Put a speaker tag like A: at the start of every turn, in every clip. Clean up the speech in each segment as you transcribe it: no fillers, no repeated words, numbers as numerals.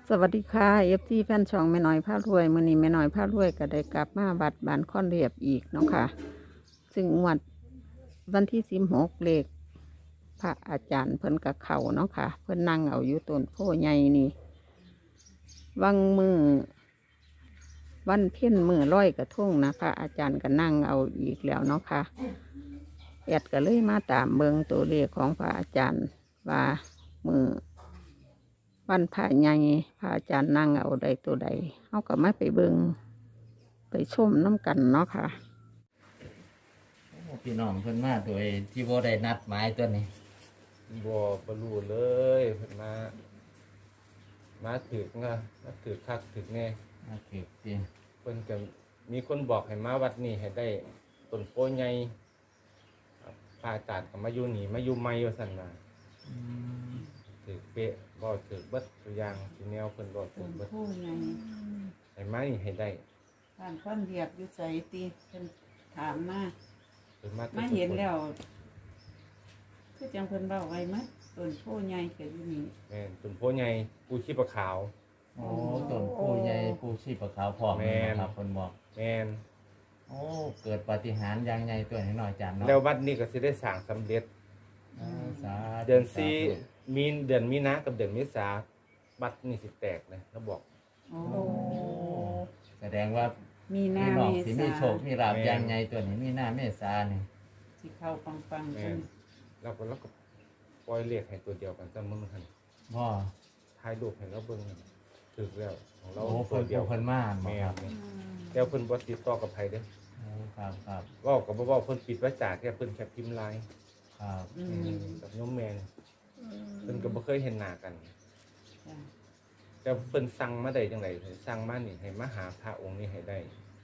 A: สวัสดีค่ะFTแฟนช่องแม่น้อยพารวยมื้อนี้แม่น้อยพารวยก็ได้กลับมาบัดบานค่อนเรียบอีกเนาะค่ะซึ่งงวดวันที่16เลขพระอาจารย์เพิ่นกับเขาเนาะค่ะเพิ่นนั่งเอาอยู่ต้นโพใหญ่นี่วังมือวันเพ็ญมือร้อยกระทงนะพระอาจารย์ก็นั่งเอาอีกแล้วเนาะค่ะแอดก็เลยมาตามเบิงตัวเลขของพระอาจารย์ว่ามือ วันพระใหญ่พระอาจารย์นั่งเอาใดตัวใดเขาก็ไม่ไปเบิงไปชมน้ำกันเนาะค่ะ
B: พี่น้องเพิ่นมาโดยที่บ่ได้นัดหมายตัวนี้
C: บ่รู้เลยเพิ่นมาถึกนะมาถึกคักถึกแน่
B: มาเก็บสิ
C: เพิ่นก็มีคนบอกให้มาวัดนี้ให้ได้ต้นโพใหญ่ครับพระอาจารย์ก็มาอยู่นี่มาอยู่ใหม่ว่าซั่นน่ะถึกเป๊ะบ่ถึกเบิดตัวอย่างที่แนวเพิ่นบ่ถึ
A: ต้
C: ก
A: น
C: เบิด
A: ผู้ใหญ่
C: ให้มานี่ให้ได้
A: บ้านค่อนเรียบอยู่ใจตีเป็นถามมา
C: เพิ่นมาแต่
A: มาเห็นแล้วคือจังเพิ่นเบ้าไว้มั้ยต้นผู้ใหญ่เกิดอยู่นี่
C: แม่นต้นโพใหญ่ปูชีพขาว
B: โอ้ต้นผู้ใหญ่ผู้ชีพขาวพร้อม
C: แม่น
B: ครับเพิ่นบอก
C: แม่น
B: โอ้เกิดปาฏิหาริย์อย่างใหญ่ตัวนี้หน่อยจานเนาะ
C: แล้ววัดนี้ก็สิได้สร้างสำเร็จ
B: สาธุ
C: เดือน
B: สาธุ
C: 4มีเดือนมีนากับเดือนเมษาวัดนี่สิแตกนะแล้วบอก
A: โอ้
B: โอ้แสดงว่า
A: มีหน้า
B: พี่น้อง
A: เม
B: สิ
A: ษา
B: มีโชคมีลาภอย่างใหญ่ตัวนี้มีหน้าเมษานี่
A: สิเข้าปังๆ
C: แม่
A: ขึ้น
C: นเราก็ปล่อยเลขให้ตัวเดียวกันซะมึงหั่น
B: บ่
C: ถ่ายรูปให้เราเบิ่งถึกแล้วของเรา
B: โอ้
C: ตั
B: เพิ่
C: วน เดียว
B: เพิ่นมาบ่
C: แม่
B: ครับ
C: นแล้วเพิ่นบ่ติดต่อกับไผเด้อ
B: โอ้ครับครับ
C: เว้าก็บ่เว้าเพิ่นปิดวาจาแค่เพิ่นแค่พิมพ์ไลน์
B: ครับ
C: กับโยมแม่นเพิ่นก็บ่เคยเห็นหน้ากัน
A: จ้ะ
C: แต่เพิ่นสั่งมาได้จังไดสั่งมานี่ให้มาหาพระองค์นี้ให้ได้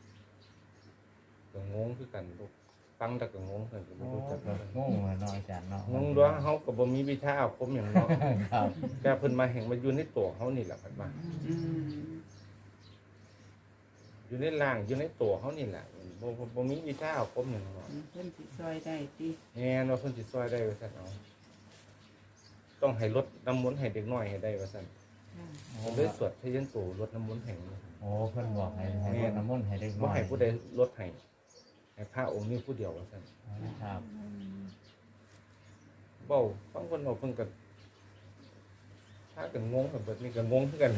C: ก็งงคือกันลูกฟังแต่ก็งงเพิ่นก็บ่
B: โอ้
C: รู้จัก
B: ก็
C: เพิ่น
B: งงเลยเนาะอาจารย์เนาะ
C: งงด้วยเฮาก็บ่มีวิชาอาคมหยังเนาะ
B: ครับ
C: แต่เพิ่นมาแห่งมาอยู่ในตัวเฮานี่แหละเพิ่นว่า
A: อืม
C: อยู่ในร่างอยู่ในตัวเฮานี่แหละบ่มีวิชาอาคมหยังเนาะ
A: เพิ่นสิซอยได้ติ
C: แม่นว่าเพิ่นสิช่วยได้ว่าซั่นเอาต้องให้ลดน้ำมนต์ให้เด็กน้อยให้ได้ว่าซั่น
A: จ้ะ
C: เพิ่นเลยสวดพยัญชนะลดน้ำมนต์ให้
B: โอ้เพิ่นบอกให้รดน้ำมนต์ให้เด็กน้
C: บ่
B: อย
C: ให้ผู้ใดลดให้ให้พระองค์นี้ผู้เดียวว่าซั่น
B: ครับ
C: เว้าฟังเพิ่นเว้าเพิ่นก็พากันงงแบบนี้ก็งงคือกัน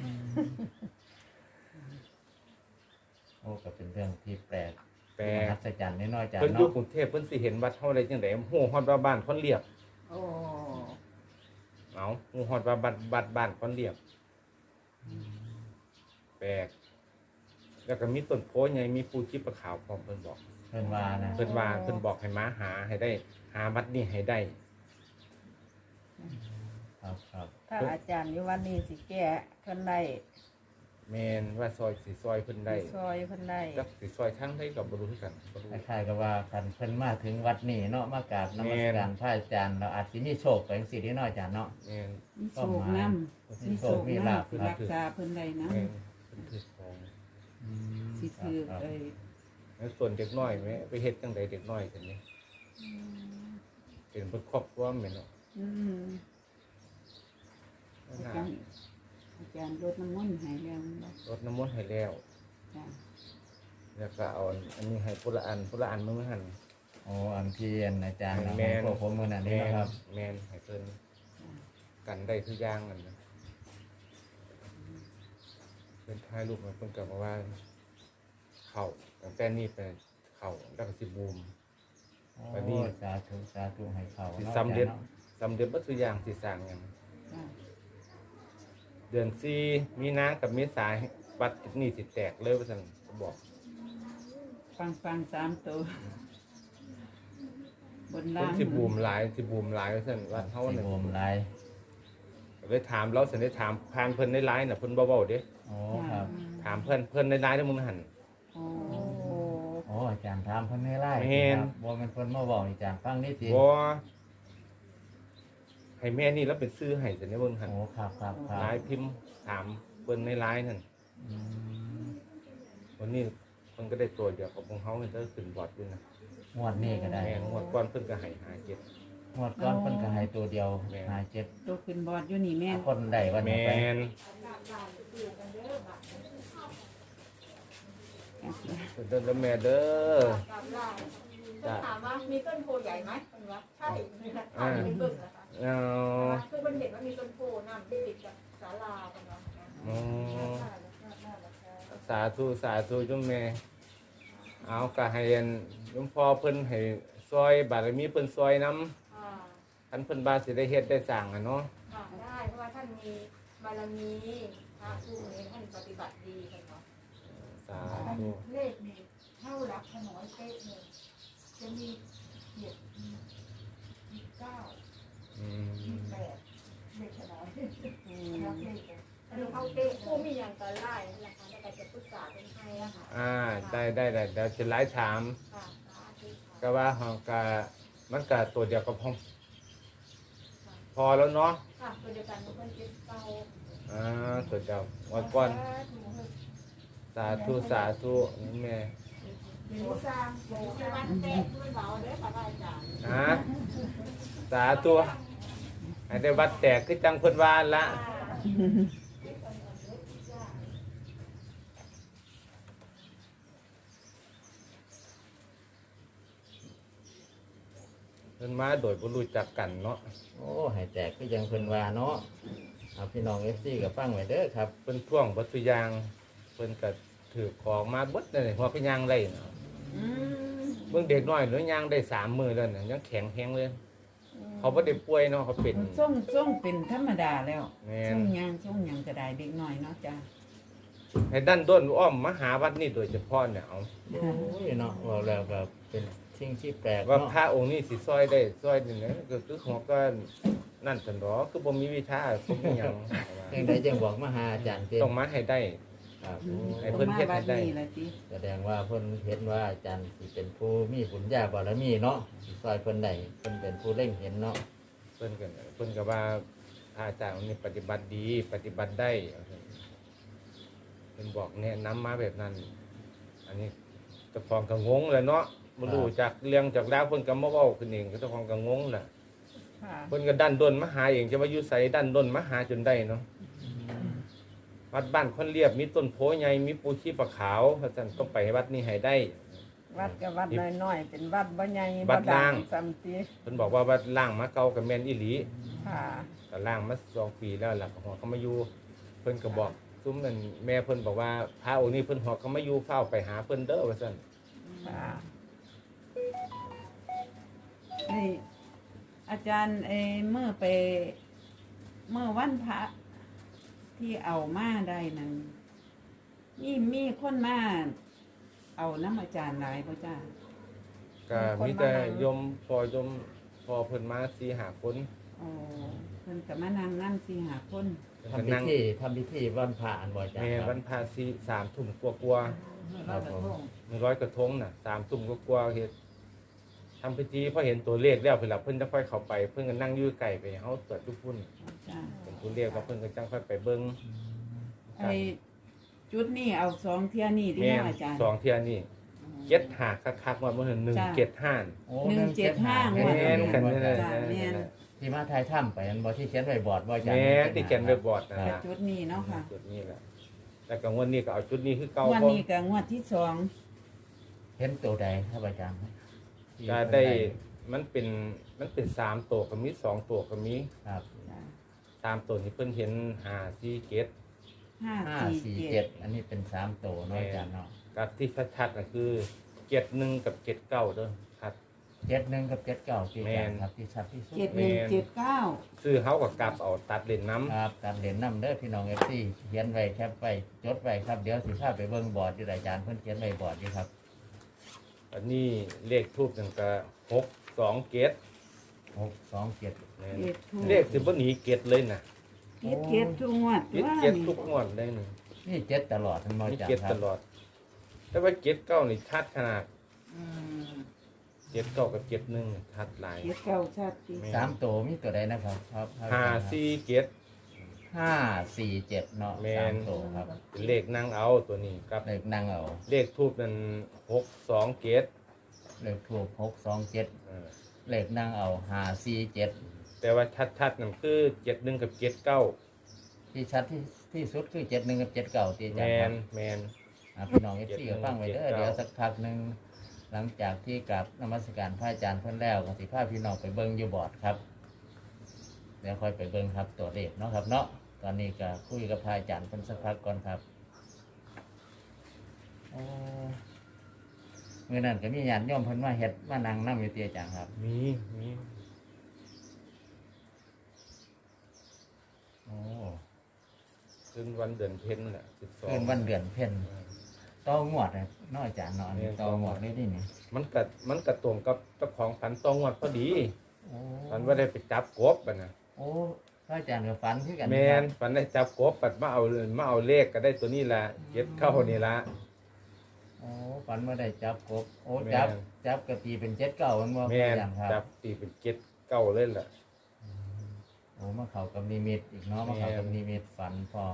B: โอ้ก็เป็นเรื่องที่แปลก
C: แปล
B: มหั
C: ก
B: ศจรรย์นิดหน่อยอาจาร
C: เพิ่น
B: ย์
C: อยู่
B: เนาะ
C: กรุงเทพเพิ่นสิเห็นวัดเฮาได้จังได๋ฮู้ฮอดว่าบ้านคนเรียบ
A: โอ้
C: เอาฮู้ฮอดว่าบ้านคนเรียบแปลกแล้วก็มีต้นโพใหญ่มีปูชีพขาวพร้อมเพิ่นบอก
B: เพิ่นว่านะ
C: เพิ่นว่าเพิ่นบอกให้มาหาให้ได้ หาวัดนี้ให้ได้
B: ครับครับ
A: ถ้าอาจารย์อยู่วันนี้สิแก้เพิ่นได้
C: แม่นว่าซอยสิซอยเพิ่นได้
A: ซอยเพิ่นได้
C: จักสิซอยทางใดก็บ่รู้คือกันบ่รู้
B: คล้ายๆกับว่าคันเพิ่นมาถึงวัดนี้เนาะมากราบนมัสการพระอาจารย์เราอาจสิมีโชคไปจังซี่นิดหน่อยอาจารย์เนาะ
C: แม่น
A: มีโชคน้ำ
B: มีโชคมีลาภ
A: คือ
B: ครั
A: รับ กษาเพิ่นได้น้
C: แม่นเพิ่นถือของ
A: ำสิถือ
B: ครับ
A: เอ้ย
C: แล้วส่วนเด็กน้อยแม่ไปเฮ็ดจังไดเด็กน้อยซั่นนี่เป็นเพิ่นครอบครัวแม่นเนาะ
A: อืมอาจารย์อาจารย์รดน้ำมนต์ให้แล้วบ่
C: รดน้ำมนต์ให้แล้ว
A: จ้ะ
C: แล้วก็เอาอันนี้ให้ผู้ละอันมื้อหั่น
B: โอ้อันที่อาจารย์
C: แม่น
B: พวกผมมื้อนั้นนี่
C: แม่น
B: นะครับ
C: แม่นให้เพิ่นกันได้ทุกอย่างนั่นนะเพิ่นถ่ายรูปมาเพิ่นก็บอกว่า เข้าตั้งแต่นี้ไปเข้าแล้วก็สิบูม วันนี้
B: โอ้สาธุให้เขา
C: สิ
B: เนาะ
C: สำเร็จ
B: อาจารย์นาะ
C: สำเร็จบ่ทุกอย่างสิสร้างหยัง
A: จ้ะ
C: เดือน4มีนากับเมษาบัดนี้สิแตกเลยว่าซั่นก็บอก
A: ฟังสามตัวบน
C: เพิ่
A: ล่าน ง
C: สิบูมหลายว่าซั่นว่าเฮา
B: สิ
C: นั่น
B: โอมหลาย
C: เลยถามเราซั่นได้ถามผ่านเพิ่นในไลน์น่ะเพิ่นบ่เว้าเด้
B: โอ้ครับ
C: ถามเพิ่นในไลน์เด้อมึงหั่น
A: โอ้
B: โอ้อาจารย์ถามเพิ่นให้ไล่
C: แม่น
B: ครับบ่แม่นเพิ่นมาบอกอาจารย์ฟังนิดเดียว
C: บ่ให้แม่นี่แล้วเป็นซื้อให้ซั่นเด้อมึงหั่น
B: โอ้ครับครับครั
C: ไล
B: บ
C: น์พิมพ์ถามเพิ่นในไลน์นั่น
B: อืม
C: วันนี้เพิ่นก็ได้ตัวเดียวกับของเฮาเพิ่นก็ขึ้นบอร์ดอยู่นะ
B: งวดนี้ก็ได้
C: แม่นงวดก่อนเพิ่นก็ให้57
B: งวดก้อนเพิ่นก็ให้ตัวเดียว
C: แม่น
B: หาเจ็ด
A: ตัวขึ้นบอร์ดอยู่นี่แม่น
B: คนได้วันนี้
C: แม่
B: ไป
C: นเดินแม่เด้อ
D: จะถามว่ามีต้นโพใหญ่ไหมคนว่าใช่ถ่ายเป็นเบิ่งนะคะ
C: เอา
D: คือคนเห็นว่ามีต้นโพน้ำที่ติดกับศาลาคนว่า
C: อ๋อสาธุสาธุจุ่มแม่เอาก็ให้อันหลวงพ่อเพิ่นให้ซอยบารมีเพิ่นซอยนำคันเพิ่นบาสิได้เฮ็ดได้สร้างอะเนาะ
D: ได้เพราะว่าท่านมีบารมีพระผู้นี้ท่านปฏิบัติดีคนว่า
C: สาธุ
E: เลขนี่เท่ารักขน้อยเป๊ะเลยจะมีเจ็ดมีเก้า
C: อื
E: มี
C: ม
E: แปดเลขขน้อยรักเลขเลย
D: อันนี้เขาเต้ผู้มีอย่างตอนไล่นะคะในการจะปรึกษาเป็นให้นะคะ
C: ได้เดี๋ยวสิหลายถาม
D: ค่ะสาธุ
C: ก็ว่าเฮาก็มันก็ตัวเดียวกับพอแล้วเนาะ
D: ค่ะตัวเดียวกันเพื่อนเจ็ดเก้า
C: ตัวเดียววันก่อนสาธุสาธุนี่แม่
E: หนูสร้างหนูส
D: คือ
E: ร้าง
D: วันเต้ด้วยเราเด้อค่ะอาจารย์
C: สาธุให้ได้วัดแตกคือจังเพิ่นว่าละเพิ่นมาโดยบ่รู้จักกันเนาะ
B: โอ้ให้แตกก็ยังเพิ่นว่าเนาะเอาพี่น้อง FC ก็ฟังไว้เด้อครับ
C: เพิ่นท่วงบัตรยางเพิ่นก็ถือของมาเบิดเลยหัวเป็นยางได้เนาะเบิ่งเด็กน้อยหรือย่างได้3 มื้อแล้วน่ะยังแข็งแรงเลย เขาบ่ได้ป่วยเนาะเขาเป็น
F: ส่งเป็นธรรมดาแล้ว
C: แม่
F: ส่
C: น
F: งหยังก็ได้เด็กน้อยเนาะจ้ะ
C: ให้ดันด้นอ้อมมาหาวัดนี้โดยเฉพาะเนี่ยเอา
B: โอ้ยเนาะว่าแล้วก็เป็นสิ่งที่แปลก
C: ว่า
B: เนาะ
C: พระองค์นี้สิซอยได้ซอยนี่นะก็คือหัวก็นั่นซั่นดอกคือบ่มีวิชาบ่มีหยัง
B: จังไดจังบอกมาหาอาจารย์เต้
C: ต้องมาให้ได้
B: ครับ
C: ให้เพิ่นเฮ็ดให้ได้
F: ต้องมาบันี้ล่ะติ
B: แสดงว่าเพิ่นเห็นว่าอาจารย์สิเป็นผู้มีบุญญาบารมีเนาะสิซอยเพิ่นได้เพิ่นเป็นผู้เล่งเห็นเนาะ
C: เพิ่นก็ว่าอาจารย์องค์นี้ปฏิบัติดีปฏิบัติได้เพิ่นบอกแนะนำมาแบบนั้น อันนี้เจ้าของก็งงเลยเนาะบ่รู้จักเรื่องจากราวเพิ่นก็มาเว้าขึ้นเองก็เจ้าของก็งงน่ะ
F: ค่ะ
C: เพิ่นก็ดันด้นมาหาเองจะว่าอยู่ไสดันด้นมาหาจนได้เนาะวัดบ้านคนเรียบมีต้นโพใหญ่มีปูชีปะขาวเพราะฉะนั้นต้องไปวัดนี้ให้ได้
F: วัดก็วัดน้อยๆเป็นวัดบ่ใหญ่
C: วัดล่าง
F: ซ้ำติ
C: เพิ่นบอกว่าวัดล่างมาเก่ากับแม่นอีหลี
F: ค่ะ
C: ก็ล่างมา2 ปีแล้วล่ะก็ฮอดเขามาอยู่เพิ่นก็บอกซุ้มนั่นแม่เพิ่นบอกว่าพระองค์นี้เพิ่นฮอดเขามาอยู่เฝ้าไปหาเพิ่นเด้อว่าซั่น
F: ค่ะนี่อาจารย์เมื่อวันพระที่เอามาได้นั้นมีคนมาเอาน้ำอาจารย์หลายบ่จ้า
C: ก็มีแต่โยมพอเพิ่นมา4-5 คน
F: อ๋อเพิ่นก็มานั่งนั่นสิหาคน
C: เพิ่น
B: ทำ
C: ก็
B: พิ
C: นั่ง
B: ธีวันพระอันบ่อาจาร
C: แม่
B: ย์ค
C: วั
B: รับ
C: นพระ3 ทุ่มกว่า
B: ครับผม
C: ๆ100กระทงน่ะ3 ทุ่มกว่าๆเฮ็ดทำพิธีพอเห็นตัวเลขแล้วเพิ่นล่ะเพิ่นจะค่อยเข้าไปเพิ่นก็นั่งอยู่ไกลไปเฮาตรวจทุกพุ่น
F: จ้า
C: เป็นตัวเลขแล้วเพิ่นก็จังค่อยไปเบิ่ง
F: ไอ้จุดนี่เอาสองเที่ยนี่ที่
C: แม่
F: เนาะอาจารย์
C: สองเที่ยนี่เจ็ดหาคักๆว่าบ่เห็น175
B: โอ้
F: 175
C: แม่นกันนี่แหละ
F: จ้าแม่น
B: ที่มาทายถ้ำไปอันบ่ที่เขียนไว้บอร์ดบ่อาจารย์
C: แม่ที่เขียนไว้บอร์ดนั่น
F: แต่
C: ล่ะ
F: จุดนี้เนาะค่ะ
C: จุดนี้แหละแต่ก็งวดนี้ก็เอาจุดนี้คือเก่า
F: วัน
C: เพราะ
F: นี้ก็งวดที่สอง
B: เห็นตัวใดครับอาจารย์
C: ก็ได้มันเป็น3ตัวก็มี2ตัวก็มี
B: ครับ
F: จ้า
C: 3ตัวนี่เพิ่นเห็น5 4 7
B: 547อันนี้เป็น3ตัวเนาะอาจารย์เนาะ
C: กับที่ชัดๆก็คือ71กับ79เด้อครับ
B: 71กับ79ที่อาจารย์ครับที่ชัดที่สุด
F: 7179
C: ซื้อเฮาก็กลับเอาตัดเล่นน้ำ
B: ครับการเรียนนำเด้อพี่น้อง FC เขียนไว้แคปไว้จดไว้ครับเดี๋ยวสิพาไปเบิ่งบอร์ดที่อาจารย์เพิ่นเขียนไว้บอร์ดอยู่ครับ
C: อันนี้เลขทูบนั่นก็627
B: 627
C: เลขสิบ่หนีเกตเลยนะ
F: เก็บทุกงวด
C: เกต
F: ว่า
C: เกตทุกงวดได้นี่
B: นี่7ตลอดทั้งหมด
C: มี
B: อาจาร
C: เกต
B: ย์ค
C: ต
B: รับ
C: ลอด แต่ว่าเกตเก้านี่ชัดขนาด
F: อืม
C: เกตเก้ากับเกตหนึ่งชัดหลาย
F: เก็บเก่าชัดติ
B: สามตัวมีตัวใดนะครับครับ
C: 5 4เกต
B: 547เนาะ
C: แม่น
B: 3ตัวครับ
C: เป็นเลขนั่งเอาตัวนี้กับ
B: เลขนั่งเอา
C: เลขทูบนั่น62เกต
B: เลขถูก627
C: เออ
B: เลขนั่งเอา547
C: แต่ว่าชัดๆนั่นคือ71กับเกตเก้า
B: ที่ชัดที่สุดคือ71กับ79ที่อา
C: แม
B: จารย์ครั
C: น
B: บ
C: แมน
B: พี่น้อง FC ก็ฟังไว้เด้อ
C: 71
B: เดี๋ยวสักพักหนึงหลังจากที่กราบนมัสการพระอาจารย์เพิ่นแล้วก็สิพาพี่น้องไปเบิ่งอยู่บอร์ดครับเดี๋ยวค่อยไปเบิ่งครับตัวเลขเนาะครับเนาะตอนนี้ก็คุยกับพระอาจารย์เพิ่นสักพักก่อนครับโอ้มื้อนั้นก็มีญาติโยมเพิ่นมาเฮ็ดมานั่งนำอยู่ที่อาจารย์ครับ
C: มี
B: โอ้
C: คืนวันเดือนเพ็ญแหละ12
B: คืนวันเดือนเพ็ญต่องวดน่ะเนาะอาจารย์เนาะอันนี้ต่องวดเลยนี่นี่
C: มันกระตรงกับเจ้าของฝันตองวัดพอดี
B: โอ้
C: ฝันว่าได้ไปจับกบอ่ะนะ
B: โอ้พระอาจารย์ก็ฝันคือกัน
C: แม
B: ครับ
C: นฝันได้จับกบปัดมาเอาเลขก็ได้ตัวนี้ละเก็ดเข้านี่ละ
B: โอ้ฝันว่าได้จับกบโอ้
C: แม่น
B: จับกะตีเป็น79มันบ่
C: แม
B: พระอาน จารย์ครับ
C: จับตีเป็นเก็ดเก้าเลยล่ะ
B: โอ้มาเข้ากับนิมิตอีกเนาะมาเข้ากับนิมิตฝันพร้อม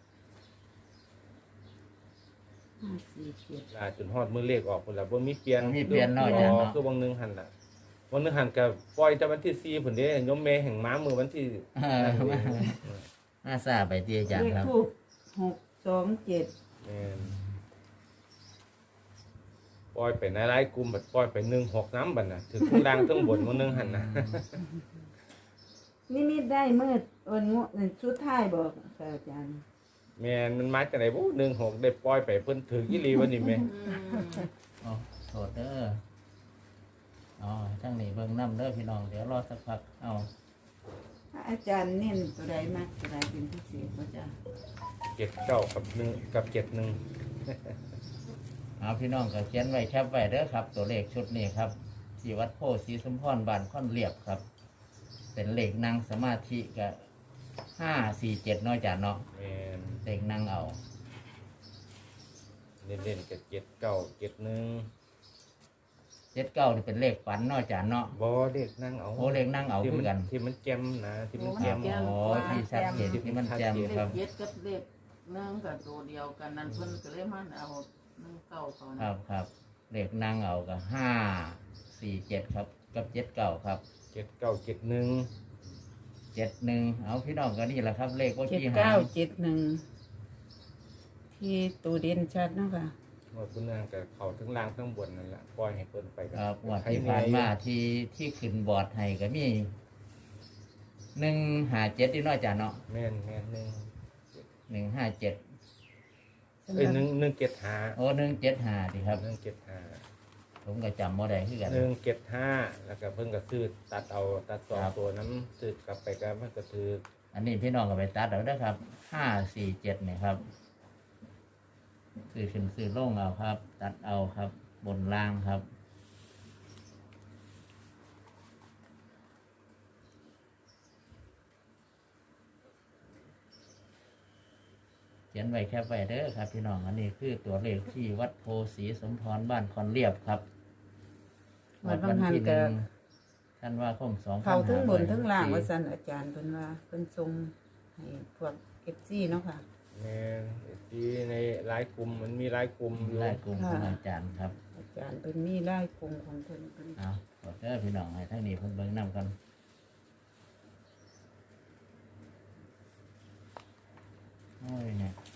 F: 547
C: ลาจนฮอดมือเลขออกพุ่นละบ่มีเปลี่ยน
B: มีเปลี่ยนเนาะอาจารย์เนาะ
C: คือวังหนึงหันล่ะวังหนึงหันก็ปล่อยแต่วันที่4พุ่นเด้ยมแม่แห่งม้ามือวันที่
B: น่าทราบไปที่อาจาร
F: เล
B: ย์
F: ข
B: ครับ
F: ทูป627
C: แม่นปล่อยไปในหลายกลุ่มบัดปล่อยไป16น้ำบัดน่ะถึงข้างล่างทั้งบนวังหนึงหันน่ะ
F: นี่ได้มืดวันงวดชุดท้ายบอกค่ะอาจารย์
C: แม่นมันมาจากไหนบ่16ได้ปล่อยไปเพิ่นถึงอีหลีวันนี้แม่
B: อ๋อโทษเด้ออ๋อทั้งนี้เบิ่งน้ำเด้อพี่น้องเดี๋ยวรอสักพักเอา
F: ถ้าอาจารย์เน้นตัวใดมากตัวใดเป็นพิเศษก็จะ
C: เก็ดเก้ากับหนึ่งกับเก็ดหนึ่ง
B: เอาพี่น้องก็เขียนไว้แคปไว้เด้อครับ ตัวเลขชุดนี้ครับที่วัดโพธิ์ศรีสมพรบ้านค่อนเรียบครับ เป็นเลขนั่งสมาธิก็547เนาะอาจารย์เนาะ
C: แมน
B: เลขนั่งเอา
C: เล่นเล่นกับเก็ดเก้าเก็ดหนึ่ง
B: 79นี่เป็นเลขฝันเนาะอาจารย์เนาะ
C: บอเด็กนั่งเอา
B: โอ้เลขนั่งเอา
C: ที่
B: คือกัน
C: ที่มันแจมนะที่มัน
B: ค
C: แจ
B: รับ
C: ม
B: อ๋อที่ชัดเจนที่มันแจ่ม
E: เล
B: ครั
E: ข
B: บ
E: เจ็ดกับเลขหนึ่งกับตัวเดียวกันนั่นเพิ่นก็เลยมันเอาหนึ่งเก้าเขา
B: ครั
E: นะ
B: บครับเลขนั่งเอาก็547ครับกับ79ครับ
C: เก็ดเก้าเก็ดหนึ่ง
B: 71เอาพี่น้องก็นี่แหละครับ เลขว่าที่หา
F: 7971ที่ตูเด่นชัดเนาะค่ะ
C: หมดคุณนางกับเขาทั้งล่างทั้งบนนั่นแหละปล่อยให้เพิ่นไปกั
B: ครับงวดที่ผ่านมาที่ขึ้นบอร์ดให้ก็มี157ที่น้อยจ้ะเนาะ
C: แม่นแม่นหนึ่ง
B: 157
C: เอ้ยหนึ่งเก็ดหา
B: โอ้175ดีครับ
C: หนึ่งเก็ดหา
B: ผมก็จำบ่ได้คือกัน
C: หนึ่งเก็ดห้าแล้วก็เพิ่นก็ซื้อตัดเอาตัดสอง
B: ครับ
C: ตัวนั้นซื้อกลับไปก็มันก็ถือ
B: อันนี้พี่น้องก็ไปตัดเอาเด้อครับ547นี่ครับซื้อขึ้นซื้อลงเอาครับ ตัดเอาครับ บนล่างครับ เขียนไว้แคบไว้เด้อครับ พี่น้องอันนี้คือตัวเลขที่วัดโพธิ์ศรีสมพรบ้านคอนเรียบครับ
F: วัดบางหัน
B: ที่
F: ก็
B: ท่านว่าคง2,500
F: เขาทั้งบนทั้งล่างว่าซั่นอาจารย์เพิ่นว่าเพิ่นทรงให้พวก FC เนาะค่ะ
C: แม่นที่ในหลายกลุ่มมันมีหลายกลุ่มอยู่
B: ได้กลุ่มของอาจารย์ครับ
F: อาจารย์เพิ่นมีรายกลุ่มของเพิ่นเพิ่น
B: เอาขอเด้อพี่น้องให้ทั้งนี้เพิ่นเบิ่งนำกันโอ้ยเนี่ย